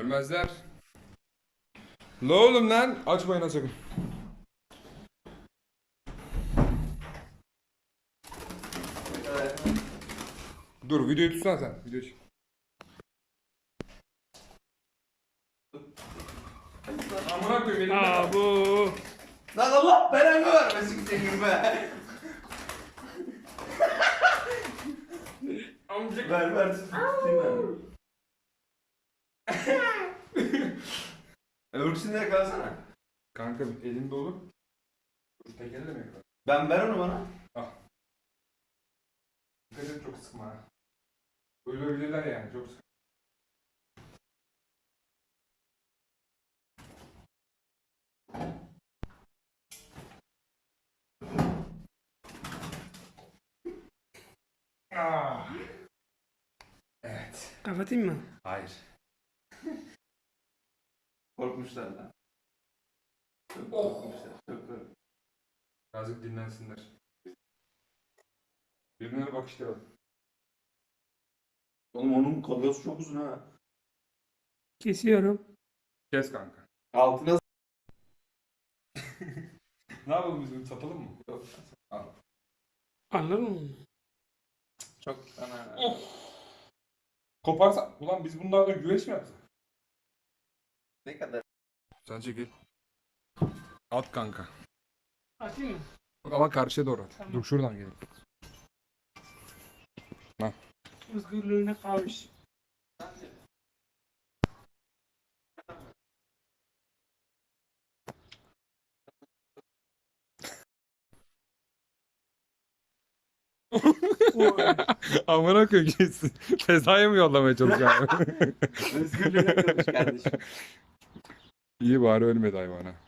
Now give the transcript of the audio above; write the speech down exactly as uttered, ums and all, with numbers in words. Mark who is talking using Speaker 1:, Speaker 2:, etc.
Speaker 1: Ölmezler. La oğlum lan. Açmayın ha sakın. Dur videoyu tutsana sen. Video çek. Amına koyayım elimde.
Speaker 2: Aa bu.
Speaker 3: Lan Allah belanı vermesin senin be.
Speaker 1: Amcık.
Speaker 3: Ver ver tutayım ben. Öbürsünü de kalsana.
Speaker 1: Kanka elimde olur. Dur tek elle mi yapalım?
Speaker 3: Ben ver onu bana.
Speaker 1: Al. Dikkat et çok sıkma ha. Ölebilirler yani çok sıkma. Ah. Evet.
Speaker 2: Kapatayım mı?
Speaker 1: Hayır.
Speaker 3: Korkmuşlar lan. Çok
Speaker 1: Oh.
Speaker 3: korkmuşlar. Çok korkmuşlar.
Speaker 1: Birazcık dinlensinler. Birbirine bakıştıralım.
Speaker 3: Oğlum onun kolgası çok uzun ha.
Speaker 2: Kesiyorum.
Speaker 1: Kes kanka.
Speaker 3: Altına
Speaker 1: Ne yapalım biz bunu satalım mı? Yok. Al.
Speaker 2: Anladın mı?
Speaker 3: çok ana.
Speaker 1: Koparsa... Ulan biz bunlardan güveç mi yapsak?
Speaker 3: Ne kadar?
Speaker 1: Sen çekil. At kanka.
Speaker 2: Atayım mı?
Speaker 1: Ama karşıya doğru at.
Speaker 2: Tamam.
Speaker 1: Dur şuradan gelin.
Speaker 2: Özgürlüğüne kavuş. Oy.
Speaker 1: Amına koyayım. Fezaya mı yollamaya çalışacağım?
Speaker 3: Özgürlüğüne kavuşmuş kardeşim.
Speaker 1: İyi bari ölmedi hayvana.